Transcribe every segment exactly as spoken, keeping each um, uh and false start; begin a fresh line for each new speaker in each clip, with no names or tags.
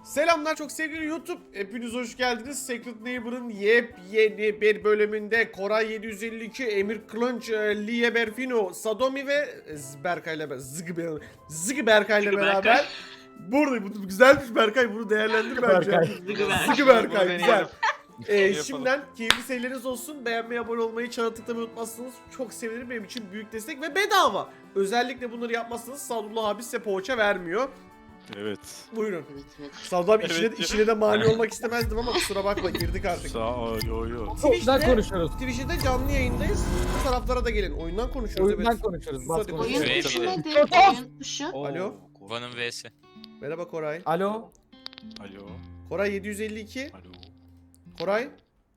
Selamlar çok sevgili YouTube. Hepiniz hoş geldiniz. Secret Neighbor'ın yepyeni bir bölümünde Koray yedi yüz elli iki, Emir Kılınç, Liye Berfino, Sadomi ve Berkay ile Zıgı Zıgı Berkay ile beraber burada bu güzelmiş Berkay, bunu değerlendir bence. Zıgı Berkay güzel. Ee, şimdiden keyifli seyirleriniz olsun. Beğenmeyi, abone olmayı, çana tıklamayı unutmazsanız çok sevinirim. Benim için büyük destek ve bedava. Özellikle bunları yapmazsanız Sadullah abi size poğaça vermiyor.
Evet.
Buyurun.
Evet, evet.
Sadullah abi
Evet.
işine, işine de mani olmak istemezdim ama kusura bakma, girdik artık.
Sağ ol, yo yo.
Twitch'te,
konuşuyoruz.
Twitch'te canlı yayındayız. Bu taraflara da gelin. Oyundan konuşuyoruz.
Oyundan
evet.
konuşuyoruz.
Sus
Bas
hadi
konuş.
konuş.
Oyun
Evet.
tuşu
Evet.
nedir? Oyun tuşu.
Alo.
Van'ın V'si.
Merhaba Koray.
Alo.
Alo.
Koray yedi yüz elli iki.
Alo.
Koray.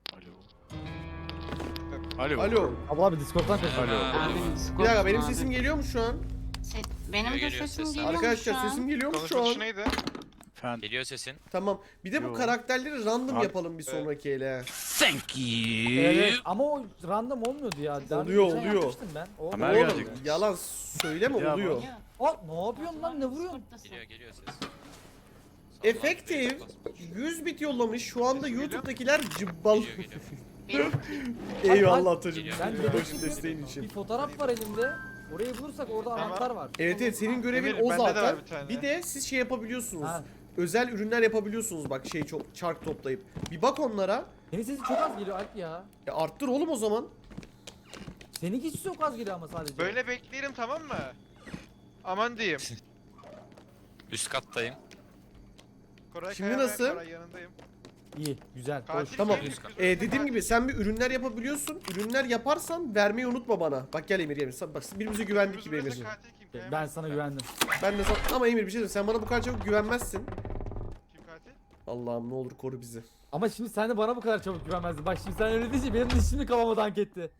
Alo. Alo.
Alo.
Abla abi Discord'dan konuş.
Alo.
Abim,
Bir dakika, benim
abi.
sesim geliyor mu şu an?
Se- benim de
Geliyor
sesim
ses.
geliyor mu şu
Arkadaşlar
an?
sesim geliyor mu şu
Konuşma
an?
tuşu neydi?
Efendim.
Geliyor sesin.
Tamam. Bir de bu
Yo.
karakterleri random
Abi-
yapalım bir sonraki ele.
Thank you.
Evet ama o random olmuyordu ya. Daha
Oluyor,
geçen
oluyor.
yapmıştım Ben. O,
Ömer
Oğlum,
gelecek.
Yalan söyleme,
Ya
oluyor.
Geliyor.
Aa, ne yapıyorsun lan, ne vuruyorsun?
Geliyor geliyor ses.
Efektif yüz bit yollamış. Şu anda YouTube'dakiler cıbbal.
Geliyor geliyor.
Benim
Eyvallah Atacığım.
Ben
Yılbaşı
dedektifim.
desteğin için.
Bir fotoğraf var elimde. Orayı bulursak orada
Tamam.
anahtar var.
Evet evet, senin görevin
Emir,
o
bende de
zaten.
var bir tane.
Bir de siz şey yapabiliyorsunuz.
Ha.
Özel ürünler yapabiliyorsunuz bak, şey çok çark toplayıp. Bir bak onlara.
Senin sesin çok az geliyor Alp ya.
E arttır oğlum o zaman.
Seninki çok az geliyor ama sadece.
Böyle bekleyelim, tamam mı? Aman diyeyim.
Üst kattayım.
Koray
Şimdi
Kaya ve
nasıl?
Koray yanındayım.
İyi, güzel. Hoş.
Katil
Tamam.
kim?
E, dediğim gibi sen bir ürünler yapabiliyorsun. Ürünler yaparsan vermeyi unutma bana. Bak gel Emir, Emir. Sen- Bak birbirimize güvendik gibi
Kırmızı
Emir.
katil kim? Kaya
Ben
mı?
sana güvendim.
Ben de sana... Ama Emir bir şey diyeyim. Sen bana bu kadar çabuk güvenmezsin.
Kim katil?
Allah'ım ne olur koru bizi.
Ama şimdi sen de bana bu kadar çabuk güvenmezdin. Bak şimdi sen öyle deyince benim de şimdi kafama dank etti.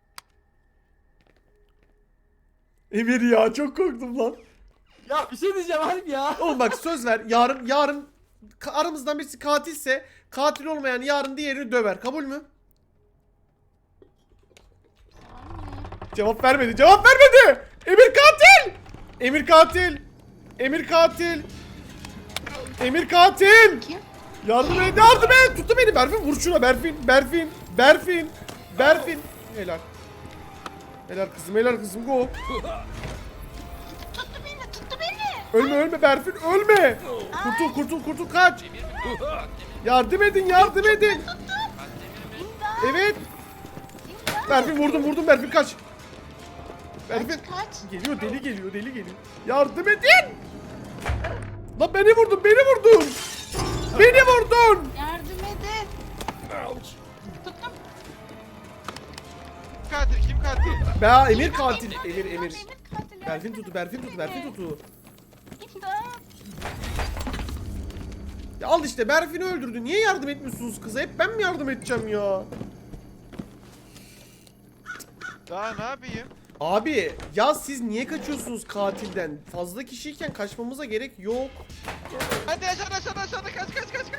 Emir ya, çok korktum lan.
Ya bir şey diyeceğim Alp ya.
Oğlum bak söz ver. Yarın yarın ka- aramızdan birisi katilse, katil olmayan yarın diğerini döver. Kabul mü? Cevap vermedi. Cevap vermedi. Emir katil. Emir katil. Emir katil. Emir katil.
Kim?
Yardım et, yardım et. Tuttu beni. Berfin vur şuna. Berfin, Berfin, Berfin, Berfin. Helal. Helal kızım, helal kızım. Go.
Tuttu beni, tuttu beni.
Ölme, ölme Berfin, ölme. Kurtul, kurtul, kurtul, kaç.
Emir mi? Bak, Emir mi?
Yardım edin, yardım edin.
Bak, Emir mi?
İmdat,
Evet.
imdat.
Berfin vurdum, vurdum Berfin, kaç. Berfin.
Kaç, kaç.
Geliyor, deli geliyor, deli geliyor. Yardım edin. Lan beni vurdun, beni vurdun. Beni vurdun.
Yardım edin. Tuttum.
Kim katil? Kim katil?
Be Emir katil. Emir, Emir.
Emir katil.
Berfin tutu, Berfin tutu, Berfin tutu.
İmdat.
Ya al işte, Berfin'i öldürdü. Niye yardım etmiyorsunuz kıza? Hep ben mi yardım edeceğim ya?
Daha ne yapayım?
Abi ya siz niye kaçıyorsunuz katilden? Fazla kişiyken kaçmamıza gerek yok.
Hadi aşağıda aşağıda aşağıda kaç kaç kaç kaç.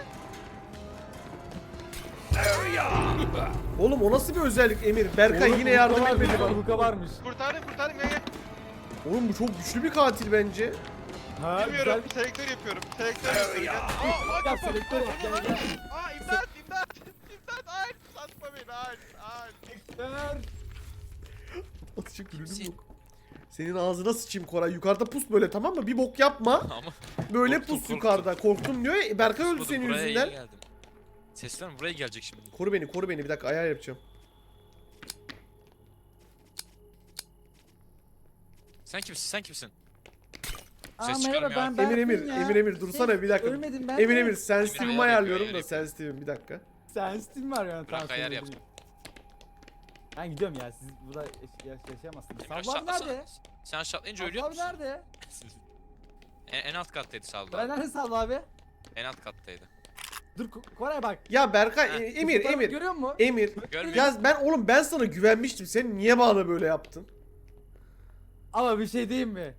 Oğlum o nasıl bir özellik Emir? Berkay
Oğlum,
yine yardım
Hulka
etmedi
varmış,
bana.
Hulka varmış.
Kurtarın kurtarın gel gel.
Oğlum bu çok güçlü bir katil bence.
Ha,
Bilmiyorum, selektör yapıyorum. Selektör yapıyorum. Gel. Aa,
Yap selektör yap gel gel.
aa imdat imdat. İmdat ay satma beni ay ay.
Ver.
Atacak ürünüm yok. Senin ağzına sıçayım Koray. Yukarıda pus böyle, tamam mı? Bir bok yapma.
Ama
Böyle
Korktum,
pus
korktum.
yukarıda. Korktum diyor ya. Berkay öldü
Kusmadım,
senin
buraya
yüzünden.
iyi geldim. Sesler mi? Buraya gelecek şimdi.
Koru beni, koru beni. Bir dakika ayar yapacağım.
Sen kimsin? Sen kimsin?
Aa,
Ses
merhaba
çıkarmıyor
ben
Emir
Berfin
Emir,
ya.
Emir Emir dursana
Şey,
bir dakika.
Ölmedim ben.
Emir
de.
Emir sensitivimi
Emir, ayar
ayarlıyorum
yapıyor,
da
ayar
sensitivim bir dakika.
Sensitivim var yani.
Bırak,
tamam,
ayar
söyle
yapsın.
bileyim. Ben gidiyorum ya, siz burada yaş yaş yaşayamazsınız.
Emir
Sabri abi
aşağı-
nerede?
Sen aşağılayınca
Sabri
ölüyor
abi
musun?
nerede?
En, en alt kattaydı Saldı
Ben
abi.
nerede Sabri abi?
En alt kattaydı.
Dur Ko- Koray bak.
Ya Berkay,
Ha,
e, Emir
Fotoğrafı
Emir.
Görüyor musun?
Emir.
Görmüyor.
Ya ben oğlum ben sana güvenmiştim. Sen niye bana böyle yaptın?
Ama bir şey diyeyim mi?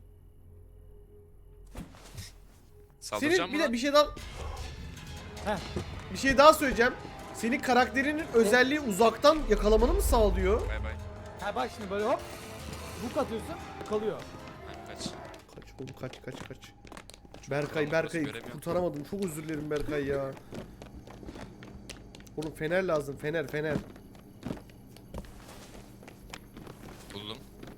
Saldıracağım
Senin bir
mı
de
lan?
bir şey daha
Heh.
bir şey daha söyleyeceğim. Senin karakterinin özelliği uzaktan yakalamanı mı sağlıyor?
Bay bay.
Ha bak şimdi böyle hop. Buk atıyorsun kalıyor.
Ha, kaç.
Kaç oğlum, kaç kaç kaç. Berkay
Nasıl
Berkay
göremiyorum?
kurtaramadım. Çok özür dilerim Berkay ya. Oğlum fener lazım. Fener fener.
Buldum.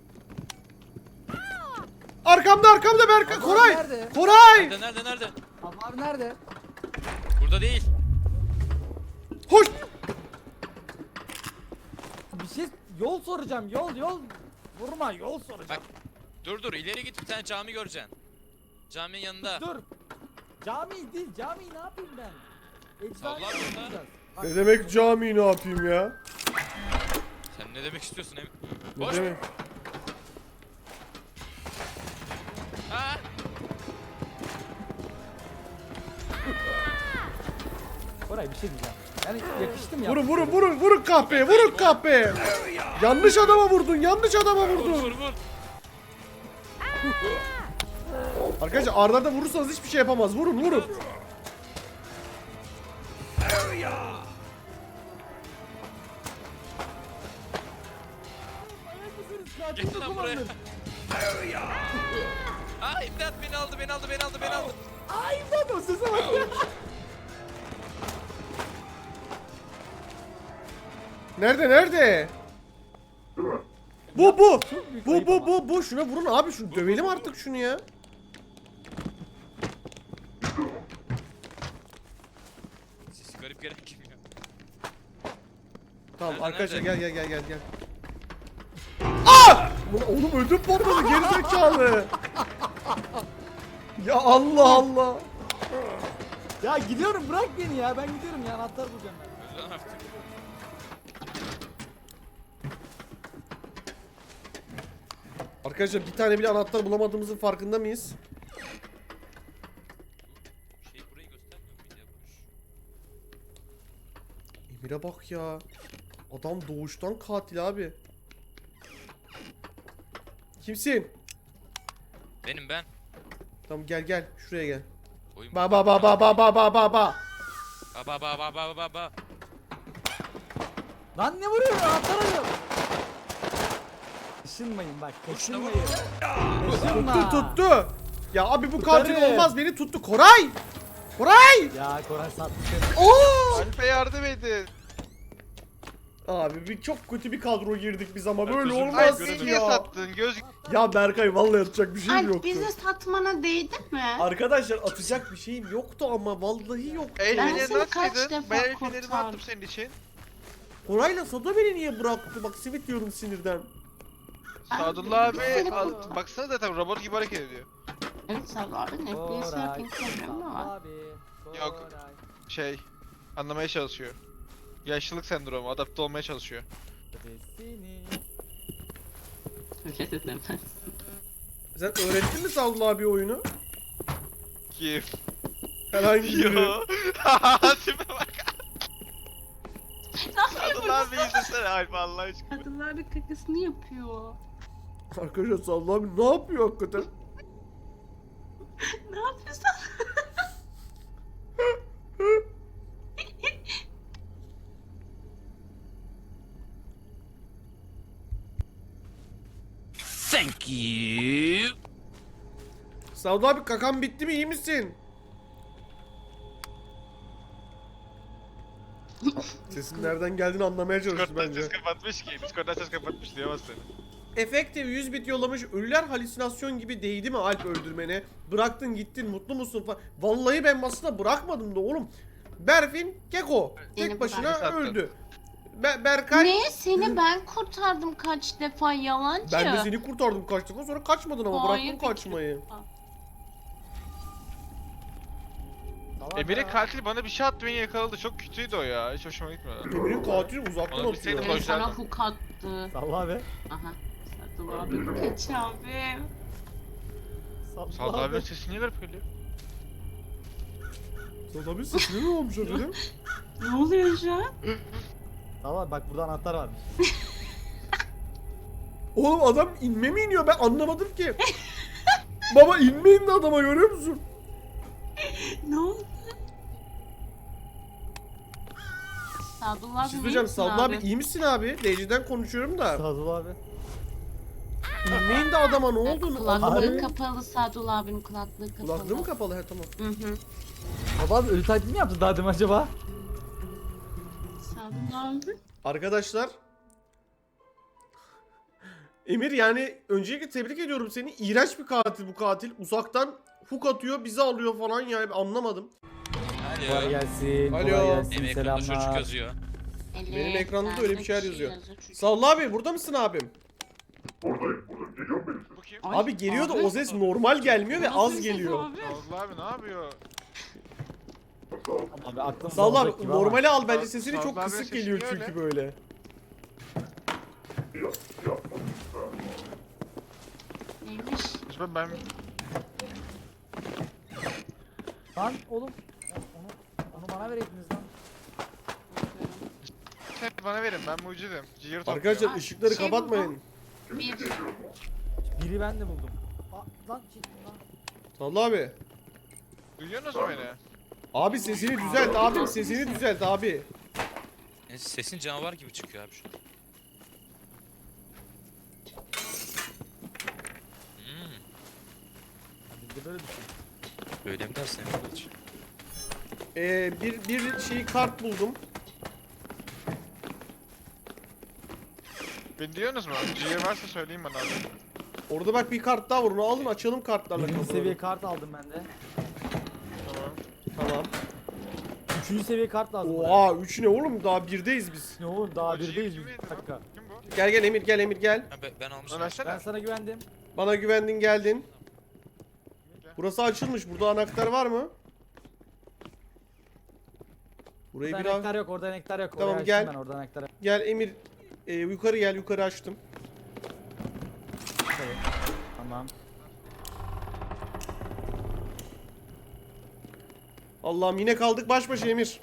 Arkamda arkamda Berkay.
Abi
Koray.
nerede?
Koray.
Nerede nerede nerede?
Abi, abi nerede?
Burada değil.
Hoş.
Bir şey yol soracağım. Yol yol. Vurma yol soracağım.
Dur dur ileri git bir tane cami göreceksin. Caminin yanında.
Dur. Cami değil. Cami ne yapayım ben? Eczane
Allah Allah.
yapacağız. Bak,
Ne demek cami ne yapayım ya?
Sen ne demek istiyorsun Emir?
Ne
Boş.
demek?
Ha?
Koray bir şey diyeceğim. Yani yakıştım ya.
Vurun vurun vurun vurun kahpeye vurun kahpeye. Yanlış adama vurdun yanlış adama
Vur
vurdun.
vur vur.
Arkadaşlar Arda'da vurursanız hiçbir şey yapamaz. Vurun vurun.
Gel lan buraya. Aa imdat beni aldı beni aldı beni aldı beni aldı.
Ay bak o sese bak ya.
Nerede nerede? Bu bu.
büyük
Bu
ayıp
bu
ama.
bu bu şuna vurun abi şunu dövelim artık şunu ya.
Sesi garip gelen kim ya?
Tamam
Nerede,
arkadaşlar
nerede?
gel gel gel gel gel. Aa! Ulan oğlum ödüm patladı gerizekalı. Ya Allah Allah.
Ya gidiyorum bırak beni ya. Ben gidiyorum ya. Anahtar bulacağım ben.
Öl lan artık.
Arkadaşlar bir tane bile anahtar bulamadığımızın farkında mıyız?
Şey burayı göstermiyor muydu ya boş?
Emir'e bak ya. Adam doğuştan katil abi. Kimsin?
Benim ben.
Tamam gel gel şuraya gel.
Oyun
Ba ba ba ba ba ba ba ba ba.
Ba ba ba ba ba ba ba.
Lan ne vuruyor? Anahtar arıyorum. Kaşınmayın bak. Kaşınmayın. Kaşınma.
Tuttu tuttu. Ya abi bu katil
Tutarım.
olmaz beni tuttu. Koray! Koray!
Ya Koray sattı seni.
Oo!
Alp'e yardım edin.
Abi bir çok kötü bir kadro girdik biz ama böyle
özür dilerim.
olmaz
Alp
ki
beni niye
ya.
sattın? Göz
Ya Berkay vallahi atacak bir şeyim
Alp
yoktu.
bizi satmana değdi mi?
Arkadaşlar atacak bir şeyim yoktu ama vallahi yoktu.
el
Ben
fenerini
seni kaç
atsaydın.
defa
Ben el fenerimi
kurtardım.
attım senin için.
Koray'la Sado beni niye bıraktı? Bak simit diyorum sinirden.
Sadullah abi
Seni
al,
kurtardım.
baksana zaten robot gibi hareket ediyor.
Evet Sağ abi ne bileyim
Koray.
yapayım problemi var.
Abi.
Yok.
Koray.
Şey anlamaya çalışıyor. Yaşlılık sendromu adapte olmaya çalışıyor.
Seni.
Öyle de demez.
Sen öğrettin mi Sadullah abi oyunu?
Kim?
Herhangi biri.
Yo. Tipe bak. Sadullah abi izlesene Alp Allah aşkına.
Kadınların kakasını yapıyor.
Arkadaşlar Sadullah abi ne yapıyor hakikaten?
Ne yapıyorsun?
Thank you.
Sadullah abi kakan bitti mi iyi misin? Sesin nereden geldiğini anlamaya çalıştı
Discord'dan
bence.
ses kapatmış ki. Discord'dan ses kapatmış diyemez seni.
Efektif yüz bit yollamış. Ölüler halüsinasyon gibi değdi mi Alp öldürmene? Bıraktın gittin mutlu musun falan. Vallahi ben masada bırakmadım da oğlum. Berfin Keko tek
Beni
başına
bıraktın.
öldü. Be Berkay
Ne? Seni ben kurtardım kaç defa yalancı.
ben de seni kurtardım kaç defa sonra kaçmadın ama
Hayır,
bıraktın kaçmayı.
Salak
Emir'in
ya.
katili bana bir şey attı beni yakaladı. Çok kötüydü o ya. Hiç hoşuma gitmedi.
Emir'in katili uzaktan
Ona bir
atıyor.
seni
Ben
koy-
sana hook attı.
Salla abi.
Aha. Sadullah abi kaç abi.
Salla
Sadullah
abi.
abi sesi niye garip geliyor?
Sadullah abi sesini mi olmuş efendim?
Ne oluyor şu an?
Salla bak burada anahtar varmış.
Oğlum adam inme mi iniyor ben anlamadım ki. Baba inme indi adama görüyor musun?
Ne oldu? Sadullah
Bir şey
abi
söyleyeceğim
iyi misin
Sadullah abi iyi misin abi? D C'den konuşuyorum da.
Sadullah abi.
İnme şimdi adama ne oldu?
Kulaklığı
Anlamadım.
kapalı, Sadullah abinin kulaklığı kapalı.
Kulaklığı mı kapalı? He tamam.
Hı hı.
Baba abi ölü taklidi mi yaptı daha demin acaba?
Sadullah abi.
Arkadaşlar. Emir yani öncelikle tebrik ediyorum seni. İğrenç bir katil bu katil. Uzaktan hook atıyor, bizi alıyor falan yani anlamadım.
Kolay
Alo.
gelsin.
Alo.
Kolay gelsin.
Benim ekranda çocuk
Selamlar.
yazıyor.
Evet,
Benim ekranda da öyle bir şeyler
bende
yazıyor.
çünkü.
Salla abi burada mısın abim?
Bu kim?
Ay,
Abi geliyor da
abi.
o ses normal gelmiyor ve
Nasıl
az
ses
geliyor.
abi?
Allah abi ne yapıyor?
Abi aklım
Salla
alacak
abi
gibi ama.
normali al bence
Sal-
sesini
Salla
çok
abi
kısık
sesi
geliyor
niye
çünkü
öyle?
böyle.
Neymiş?
Ben, ben
Lan oğlum. Onu, onu bana vereydiniz lan.
sen bana verin ben mucidim. Ciğer topluyorum.
Arkadaşlar
Aa,
ışıkları
şey
kapatmayın.
Bir.
Biri ben de buldum. Aa, lan şey, lan.
Salla abi.
Duyuyorsunuz mu beni?
Abi sesini düzelt abim sesini düzelt abi.
E, Sesin canavar gibi çıkıyor abi şu an. Hmm,
Biz de böyle düşün.
öyle mi dersin Emir Kılıç?
Ee, bir, bir şey kart buldum.
Beni duyuyorsunuz mu? Ciğer varsa söyleyin bana abi.
Orada bak bir kart daha var onu alın açalım kartlarla
Birinci
kapıları.
seviye kart aldım ben de.
Tamam.
Tamam.
Üçüncü seviye kart lazım. buraya.
Oha üç ne oğlum daha birdeyiz biz.
Ne oğlum daha
O ciğer
birdeyiz biz.
kimeydi
Bir
lan?
dakika.
Kim bu?
Gel gel Emir gel Emir gel.
Ha, ben, ben almışım.
Lan versene.
Ben sana güvendim.
Bana güvendin geldin. Burası açılmış. Burada anahtar var mı? Burayı
Orada
biraz...
anahtar yok, orada anahtar yok.
Tamam,
Oraya açtım
gel.
Ben orada anahtar yok.
Gel Emir. Ee, yukarı gel yukarı açtım.
Tabii. Tamam.
Allah'ım yine kaldık baş başa Emir.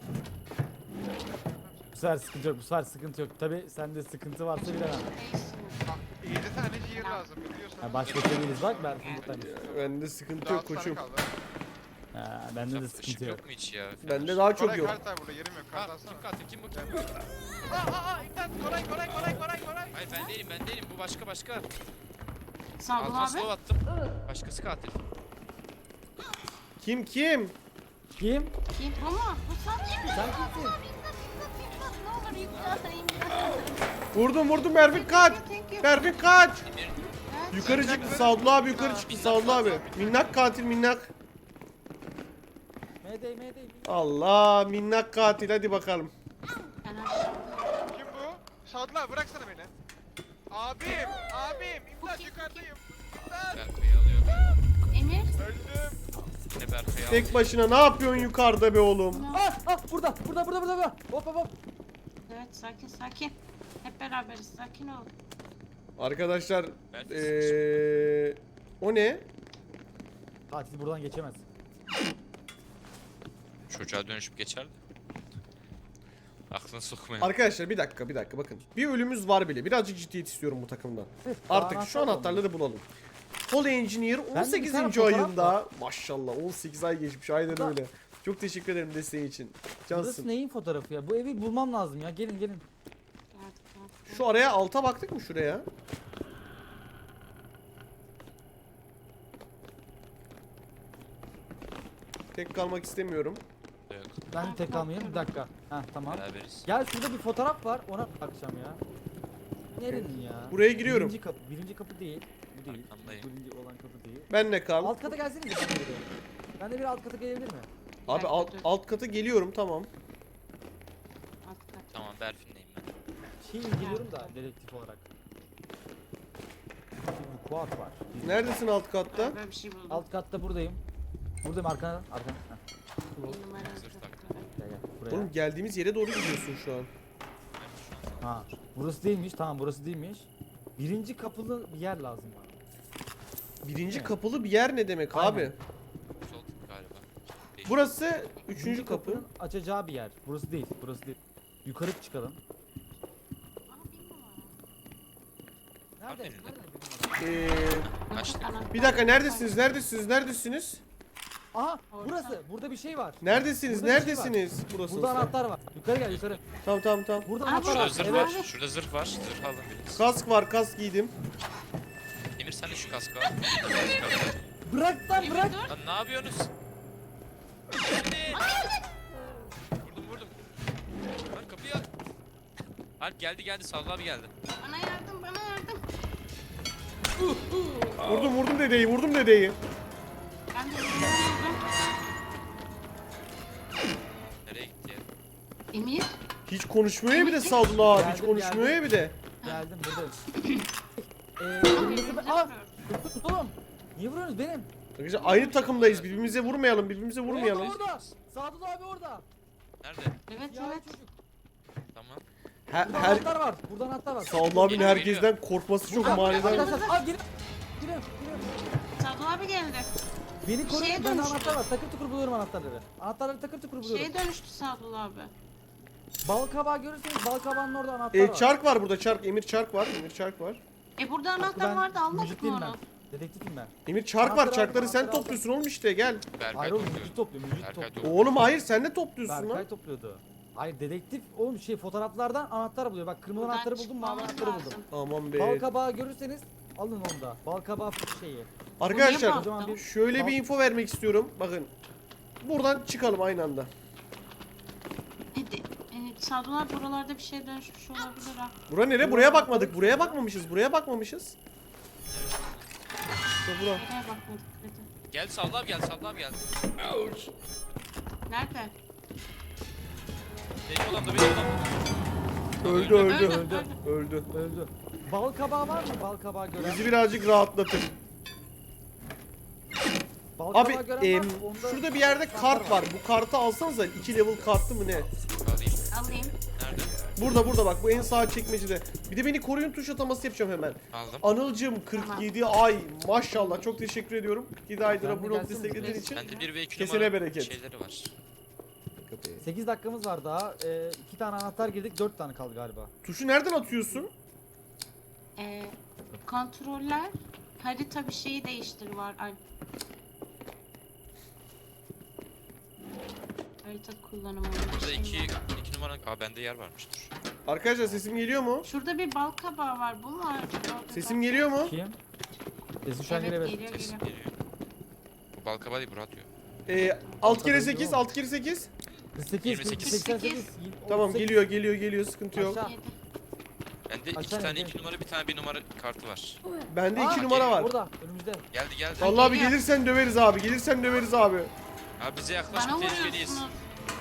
Bu sefer sıkıntı yok, bu sefer sıkıntı yok. Tabii sende sıkıntı varsa bilemem.
yedi tane ciğer lazım biliyorsun.
Ha, başka değiliz bak ben buradayım.
Bende sıkıntı yok koçum.
Ha, bende de
Işık
sıkıntı yok.
yok mu hiç ya?
Bende daha çok
Koray
yok.
kart var burada yerim yok. Kart
Ha,
alsana.
kim katil kim bu kim?
Aa aa aa imdat Koray Koray Koray Koray Koray.
Hayır ben değilim ben değilim bu başka başka.
Sadullah
Altına
abi.
slow attım. Başkası katil.
Kim kim?
Kim?
Kim? Ama bu sen değil mi?
Sen kimsin?
İmdat, imdat, ne olur imdat, imdat.
Vurdum vurdum Mervin kaç.
Thank you.
Mervin kaç.
Emir
Yukarı çıktı Sadullah abi yukarı çıktı Sadullah abi. Minnak katil minnak.
Mayday mayday.
Allah minnak katil hadi bakalım.
Ben aşağı-
Kim bu? Sadullah bıraksana beni. Abim abim imdat yukarıdayım. İmdat
Berkay'ı alıyor.
Emir.
öldüm.
Ne Berkay'ı alıyor.
Tek başına ne yapıyorsun yukarıda be oğlum?
Ah ah burada burada burada burada. burada. Hop hop hop.
Evet sakin sakin. Hep beraberiz sakin ol.
Arkadaşlar
Belki
eee o ne?
Katil buradan geçemez.
Çocuğa dönüşüp geçer de. Aklını sokmayın.
Arkadaşlar bir dakika bir dakika bakın. Bir ölümümüz var bile. Birazcık ciddiyet istiyorum bu takımdan. Artık şu anahtarları bulalım. Hol Engineer
bir tane
on sekizinci
fotoğraf
ayında maşallah on sekiz ay geçmiş aynen
Da-
öyle. Çok teşekkür ederim desteğin için.
Burası
Cansın.
neyin fotoğrafı ya? Bu evi bulmam lazım ya. Gelin gelin.
Geldik, geldik.
Şu araya alta baktık mı şuraya? Tek kalmak istemiyorum.
Yok,
Ben tek kalmayayım. Bir dakika. Ha tamam.
beraberiz.
Gel şurada bir fotoğraf var. Ona bakacağım ya. Nerenin ya?
Buraya giriyorum.
Birinci kapı. Birinci kapı değil. Bu değil.
Arkandayım.
Birinci olan kapı değil.
Benle kal.
Alt kata gelsene de ben de bir. Ben de bir alt kata gelebilir mi?
Abi alt, alt kata geliyorum tamam.
Alt kat.
Tamam Berfin'deyim ben.
Şey inceliyorum da dedektif olarak. Bir kuat var. Bir-
Neredesin alt katta?
Ben böyle bir şey buldum.
Alt katta buradayım. Buradayım arkana. Arkana. Heh.
Bir numara
Zırh
kat-
tak.
Gel gel. Buraya.
Oğlum geldiğimiz yere doğru gidiyorsun şu an.
Ha. Burası değilmiş. Tamam burası değilmiş. Birinci kapılı bir yer lazım bana.
Birinci
Ne?
kapılı bir yer ne demek
Aynen.
abi?
Sol tık galiba. Değil.
Burası üçüncü
Birinci
kapı.
kapının açacağı bir yer. Burası değil. Burası değil. Yukarı çıkalım.
Aa, bir numara.
Nerede?
Nerede?
Nerede?
Ee,
Açtık.
Anahtar.
bir dakika neredesiniz? Neredesiniz? Neredesiniz?
Aha
Orada.
burası. Burada bir şey var.
Neredesiniz?
Burada bir şey
Neredesiniz? Burası.
Burada anahtar var. Yukarı gel yukarı.
Tamam tamam tamam.
Burada
Aa,
anahtar
Şurada
var.
zırh
Evet.
var. Şurada zırh var. Zırh alın biriniz.
Kask var, kask giydim.
Emir Versene şu kaskı al.
Bırak lan bırak.
Lan ne yapıyorsunuz? Geldi. Vurdum vurdum. Lan kapıyı aç. Alp geldi geldi Sadullah abi geldi.
Bana yardım, bana yardım.
Vurdum vurdum dedeyi vurdum dedeyi.
Ben de yardım.
Nereye gitti ya?
Emir,
Hiç konuşmuyor ya bir de Sadullah abi. Hiç
Geldim,
konuşmuyor ya bir de.
Geldim buradayım. Eee kırmızı be... Aa! Oğlum! Niye vuruyorsunuz benim?
Arkadaşlar aynı takımdayız. Birbirimize vurmayalım. Birbirimize vurmayalım.
Orada orada! Sadullah abi orada!
Nerede?
evet
Ya
evet.
çocuk.
Tamam.
Her,
Burada
her
anahtar var. Burada anahtar var.
Sadullah abinin
Geliyor,
herkesten korkması çok manidar.
Arkadaşlar al gelin. Giriyorum, giriyorum.
Sadullah abi geldi.
Beni koruyun,
Şeye
bende
dönüştü.
anahtar var. Takır tukur buluyorum anahtarları. Anahtarları takır tukur buluyorum.
Şeye dönüştü Sadullah abi.
Bal kabağı görürseniz bal kabağının orada anahtar
E,
var.
çark var burada çark. Emir çark var. Emir çark var.
E burada anahtar
Ben
vardı, almadık mı
müzikliyim
onu?
ben. Dedektifim ben.
Emir çark var.
Anahtarı
Çarkları
aldım,
sen
anahtarı
topluyorsun oğlum işte gel.
Berkay
Hayır oğlum
topluyor.
müzik topluyor, müzik
Berkay
topluyor.
topluyor.
Oğlum hayır sen ne topluyorsun lan?
Berkay topluyordu. Hayır dedektif oğlum şey fotoğraflardan anahtar buluyor. Bak kırmızı
Buradan
anahtarı buldum, mavi
çıkmamız
anahtarı
lazım.
buldum.
Aman
Bal
be.
kabağı görürseniz alın onu da. Bal kabağı şeyi.
Arkadaşlar
Buraya
Kocaman
baktım.
bir
şöyle bir
bal-
info vermek istiyorum. Bakın. Buradan çıkalım aynı anda.
E, de, e, Sadullah abi buralarda bir şey dönüşmüş olabilir ha.
Bura nere? Buraya bakmadık. Buraya bakmamışız. Buraya bakmamışız. İşte bura.
Nereye bakmadık dedi.
Geldi Sadullah abi geldi Sadullah abi geldi.
Nerede?
Benim odamda benim odamda.
Öldü öldü.
Öldü,
Öldü.
öldü.
Öldü.
Öldü. Bal kabağı var mı? Bal kabağı gören.
Bizi birazcık rahatlatın.
Bal
Abi
kabağı gören
em,
var mı? Onda
şurada bir yerde kart var. Bu kartı alsanıza. iki level kartı mı ne?
Alayım.
Alayım.
Nerede?
Burada burada bak bu en sağ çekmecede. Bir de beni koruyun tuş ataması yapacağım hemen.
Aldım.
Anılcım kırk yedi ay maşallah çok teşekkür ediyorum. kırk yedi aydır
Ben de
abone olup
gelsin mi?
desteklediğin için.
Bende bir ve iki
Kesene
numara
bereket.
şeyleri var.
sekiz dakikamız var daha. Ee, iki tane anahtar girdik, dört tane kaldı galiba.
Tuşu nereden atıyorsun?
E, kontroller, harita bir şeyi değiştir var. Ay. Harita kullanımı.
Burada
şey
iki,
var.
iki numara. Aa bende yer varmıştır.
Arkadaşlar sesim geliyor mu?
Şurada bir bal kabağı var. Bu mu acaba?
Sesim geliyor mu?
Kim? Sesin şu an
Evet,
geliyor.
geliyor
Sesim
geliyor.
geliyor. Bu balkaba değil, Burak atıyor.
Ee, altı kere sekiz, altı kere sekiz.
kırk sekiz,
yirmi sekiz.
seksen sekiz.
Tamam
otuz sekiz.
geliyor geliyor geliyor sıkıntı yok.
Aşağı.
Yedi.
Bende iki
Aşağı
tane
in,
iki numara, bir tane bir numara kartı var.
Bende
Aa,
iki numara var.
Orada, önümüzde.
Geldi geldi.
Vallahi abi
geliyor.
gelirsen döveriz abi. Gelirsen döveriz abi.
Abi bize
Bana
yaklaşma, tehlikeliyiz.
vuruyorsunuz.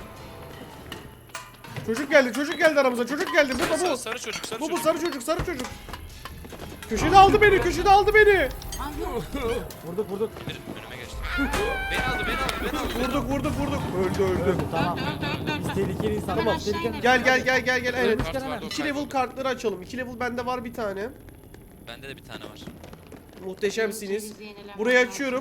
Çocuk geldi, çocuk geldi aramıza. Çocuk geldi. Bu da
Sarı,
bu.
sarı çocuk, sarı
Bu bu
çocuk.
sarı çocuk, sarı çocuk. Köşede aldı beni, köşede aldı beni.
Ay yok.
Vurduk vurduk.
Bir- Önüme geçti. Beni aldı, beni aldı, beni aldı.
Vurduk, vurduk, vurduk. Öldü, öldü.
Öldü tamam.
Öldü öldü öldü öldü.
Tehlikeli insanlar.
Tamam.
Tehlikeli.
Gel gel gel gel gel. Evet.
Kart vardı, o
iki level
kayboldu.
kartları açalım. iki level bende var bir tane.
Bende de bir tane var.
Muhteşemsiniz.
Ceviz yenilemem
Burayı
lazım.
açıyorum.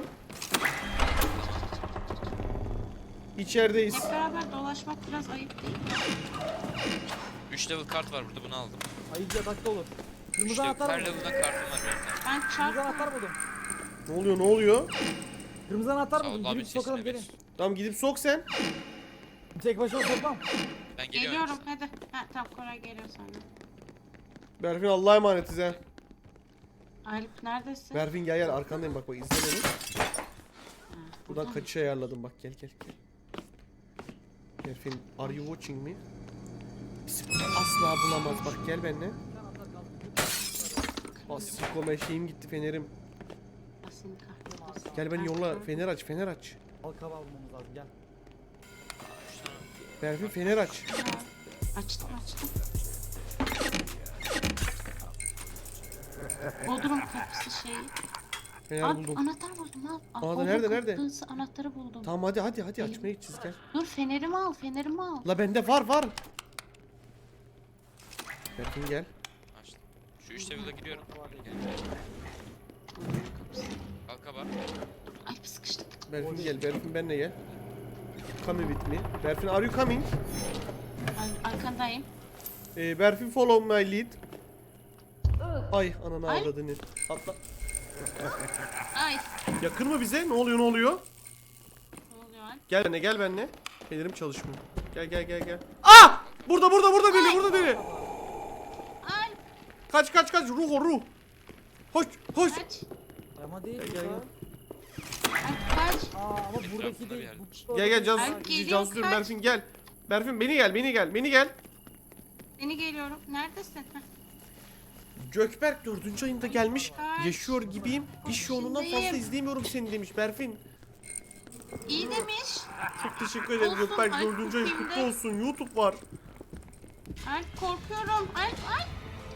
İçerideyiz.
Hep beraber dolaşmak biraz ayıp değil mi?
üç level kart var burada, bunu aldım.
Ayıcı atakta olur.
üç
Kırmızı
level,
anahtar
her
buldum.
level'dan kartım var benim.
Ben
Kırmızı
çarptım.
anahtar buldum.
Ne oluyor, ne oluyor?
Kırmızı anahtar
Sağ ol
buldum.
abi,
Girip sokalım
sesine
gelin.
ver.
Tamam gidip sok sen.
Tek başına sokmam.
Ben geliyorum.
Geliyorum hadi. Ha tamam Koray geliyor sonra.
Berfin Allah'a emanetiz ha.
Alp neredesin?
Berfin gel gel arkandayım bak bak izle beni.
Ha,
Buradan
mı?
kaçış ayarladım bak gel gel gel. Berfin are you watching me? Bizi burada asla bulamaz bak gel benimle. Asikome şeyim gitti fenerim.
Asin kahretmesin.
Gel beni yolla fener aç fener aç.
Al kabağı bulmamız lazım gel.
Berfin fener aç.
Ha, Açtım açtım. Bodrum kapısı şeyi.
Fener
Aa,
buldum.
anahtar buldum al. Aa,
Aa,
Bodrum
nerede, nerede?
kapısı anahtarı buldum.
Tamam hadi hadi hadi açmaya gideceğiz gel.
Dur fenerimi al fenerimi al.
La bende var var. Berfin gel.
Açtım. Şu üç level'a giriyorum.
Bodrum kapısı.
Balkaba.
Ay sıkıştık.
Berfin gel Berfin benimle gel. Come with me. Berfin are you coming?
Ay, arkandayım.
Ee, Berfin follow my lead. Ay ananı
Ay.
avradını. Atla.
Ay.
Yakın mı bize? Ne oluyor ne oluyor?
Ne oluyor Alp?
Gel benimle gel benimle. Fenerim çalışmıyor. Gel gel gel gel. Ah! Burada burada burada deli burada deli.
Alp
Kaç kaç kaç ruh o ruh. Hoş hoş.
kaç.
Ama değil
Gel,
bu
gel,
da.
gel.
Alp kaç.
Aa ama buradaki
Etrafında bir
değil.
yerde.
Bu-
Gel gel Cansu.
Ay, geliyor,
Cansu diyorum,
kaç.
Berfin gel. Berfin beni gel beni gel beni gel.
Seni geliyorum. Neredesin? Heh.
Gökberk dördüncü ayında gelmiş.
Kaç.
Yaşıyor gibiyim. İş yoğunluğundan fazla
İçindeyim.
izleyemiyorum seni demiş Berfin.
İyi demiş.
Çok teşekkür ederim
Olsun,
Gökberk.
ay,
Dördüncü ayın
kimde?
kutlu olsun. YouTube var.
Alp korkuyorum. Alp Alp.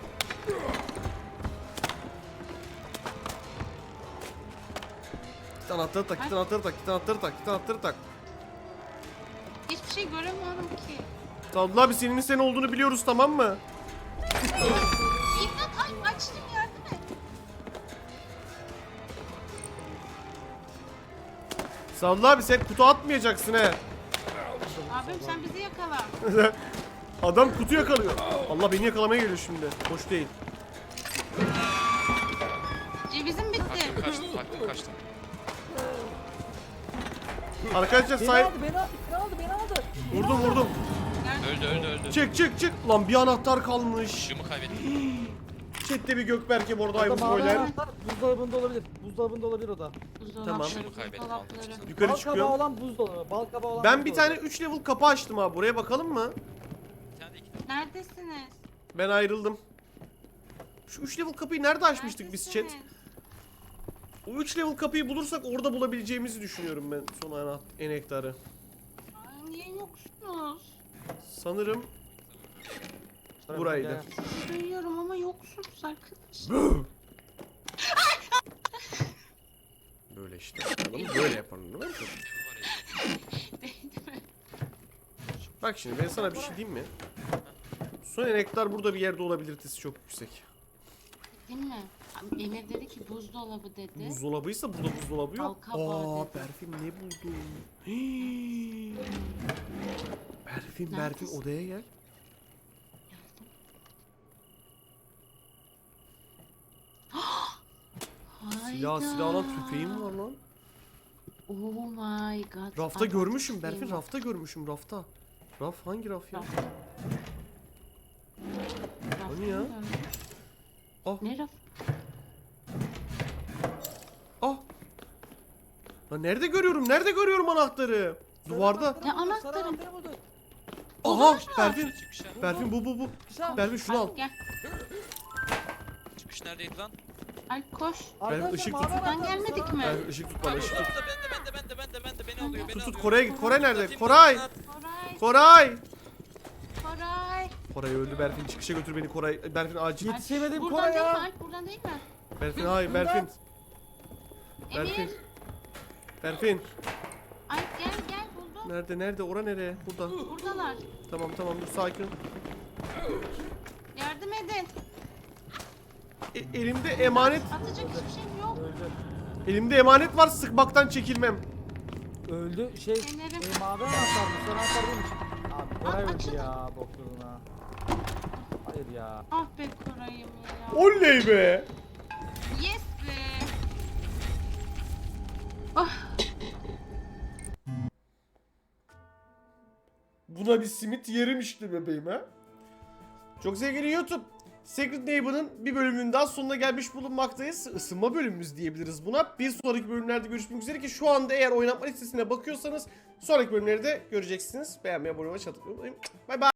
Git anahtarı tak, git anahtarı tak, git anahtarı tak, git anahtarı tak.
Hiçbir şey göremiyorum ki.
Sadullah abi senin sen olduğunu biliyoruz, tamam mı?
İmdat ay açtım yardım et.
Sadullah abi sen kutu atmayacaksın he.
Abim sen bizi yakala.
Adam kutu yakalıyor. Allah beni yakalamaya geliyor şimdi. Hoş değil.
Cevizim bitti.
Kaçtım kaçtım kaçtım kaçtım.
Arkadaşlar
Beni
say...
aldı beni aldı beni aldı beni aldı.
Vurdum vurdum.
Öldü öldü öldü.
Çık çık çık. Lan bir anahtar kalmış.
Işığımı kaybettim.
Chat'te bir Gökberk'e bu arada
O
ayıp
da mavi
spoiler.
anahtar buzdolabında olabilir. Buzdolabında olabilir o da.
Tamam.
Işığımı kaybettim.
Dolapları.
aldım.
Yukarı
Bal kabağı
çıkıyorum.
olan buzdolabı. Bal kabağı olan
Ben bir
buzdolabı.
tane üç level kapı açtım abi. Buraya bakalım mı?
Bir tane de iki
Neredesiniz?
Ben ayrıldım. Şu üç level kapıyı nerede açmıştık biz chat?
Neredesiniz?
O üç level kapıyı bulursak orada bulabileceğimizi düşünüyorum ben son ana enektarı.
Ay, niye yoksunuz?
Sanırım
Şuraya
buraydı.
gel.
Duyuyorum ama yoksunuz arkadaşlar.
Böyle işte. Yapalım, böyle yapalım değil mi?
level var ya.
Bak şimdi ben sana bir şey diyeyim mi? Son enektar burada bir yerde olabiliritesi çok yüksek.
Değil mi? Abi, Emir dedi ki buzdolabı dedi.
Buzdolabıysa burada buzdolabı yok.
Bal kabağı
Aa,
dedi.
Berfin ne buldun? Hii. Berfin, Berfin
Neredesin?
odaya gel. Silah,
Hayda.
silah lan, tüfeğim var lan.
Oh my god.
Rafta
Ay,
görmüşüm
tüfeğim
Berfin,
var.
rafta görmüşüm rafta. Raf hangi raf ya?
Rafta. Rafta
Hani ya?
mı gördün?
Ah.
Ne raf?
Ah! Lan nerede görüyorum? Nerede görüyorum anahtarı? Duvarda.
Ne anahtarı?
Sarı anahtarı bulduk.
Aha! Berfin.
Çıkış ya.
Berfin bu bu bu.
Güzel.
Berfin şunu al.
Alp gel.
Çıkış neredeydi lan?
Alp koş.
Arkadaşlar,
ışık
mavi
tut.
anahtar
Buradan gelmedik
sarı-
mi?
Berfin ışık tut bana,
Abi
ışık tut.
orada bende bende bende bende bende beni alıyor beni
Tut tut
alıyor.
Kore'ye git. Kore nerede?
Atayım,
Koray!
at.
Koray.
Koray!
Koray.
Koray öldü Berfin. Çıkışa götür beni Koray. Berfin acil.
Yetişemedim
Buradan
Koray
değil mi
ya.
Alp? Buradan değil mi?
Berfin hayır Berfin. Berfin.
Emir.
Berfin.
Alp gel gel buldum.
Nerede nerede? Ora nereye? Burada.
Buradalar.
Tamam tamam dur sakin.
Yardım edin.
E- elimde emanet.
Atacak hiçbir şeyim yok.
Öldü.
Elimde emanet var. Sıkmaktan çekilmem.
Öldü. Şey
Fenerim.
e, mavi anahtar mı? Sarı anahtar değilmiş. Abi Koray
Aa,
öldü
açıldı.
ya bokluğuna. Hayır ya.
Ah be Koray'ım ya.
Oley be.
Yes be. Ah.
Buna bir simit yerim işte bebeğim ha. Çok sevgili YouTube. Secret Neighbor'ın bir bölümünün daha sonuna gelmiş bulunmaktayız. Isınma bölümümüz diyebiliriz buna. Bir sonraki bölümlerde görüşmek üzere ki şu anda eğer oynatma listesine bakıyorsanız sonraki bölümleri de göreceksiniz. Beğenmeyi, abone olmayı, çatırmayı unutmayın. Bay bay.